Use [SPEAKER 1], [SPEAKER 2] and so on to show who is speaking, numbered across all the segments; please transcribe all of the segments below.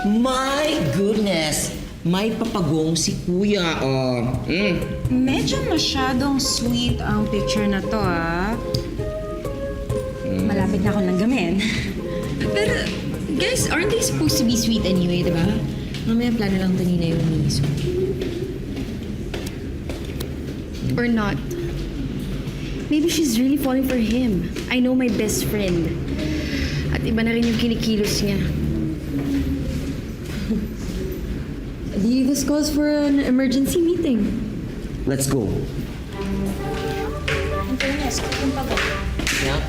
[SPEAKER 1] My goodness! May papagong si Kuya, oh.
[SPEAKER 2] Medyo masyadong sweet ang picture na to, ah. Malapit na akong langgamin.
[SPEAKER 3] Pero, guys, aren't they supposed to be sweet anyway, diba? Mamaya plano lang ito nila yung miso. Or not. Maybe she's really falling for him. I know my best friend. At iba na rin yung kinikilos niya. This calls for an emergency meeting.
[SPEAKER 1] Let's go.
[SPEAKER 2] Antones, kung pagod.
[SPEAKER 1] Yeah?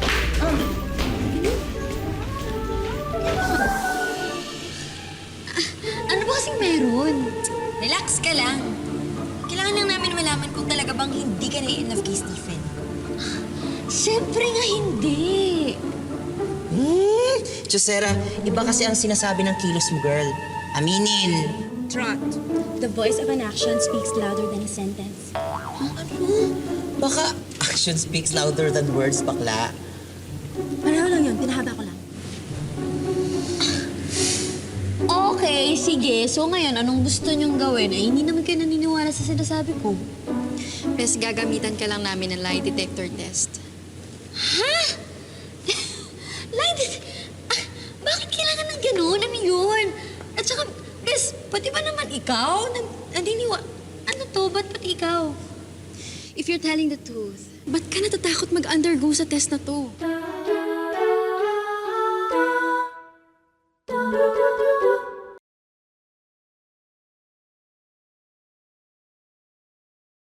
[SPEAKER 4] Ano ba kasing meron? Relax ka lang. Kailangan lang namin malaman kung talaga bang hindi ka na-in love kay Stephen. Siyempre nga hindi.
[SPEAKER 1] Chusera, iba kasi ang sinasabi ng kilos mo, girl. Aminin.
[SPEAKER 2] Trot.
[SPEAKER 5] The voice of an action speaks louder than a sentence.
[SPEAKER 1] Baka action speaks louder than words, bakla.
[SPEAKER 5] Pareho lang yun, pinahaba ko lang.
[SPEAKER 4] Okay, sige. So ngayon, anong gusto niyong gawin? Ay, hindi naman kayo naniniwala sa sinasabi ko.
[SPEAKER 3] Bes, gagamitan ka lang namin ng lie detector test.
[SPEAKER 4] Ha? Bakit kailangan ng gano'n? Ano yun? At saka, Bes, pati ba naman ikaw? Ano to? Ba't pati ikaw?
[SPEAKER 3] If you're telling the truth, ba't ka natatakot mag-undergo sa test na to?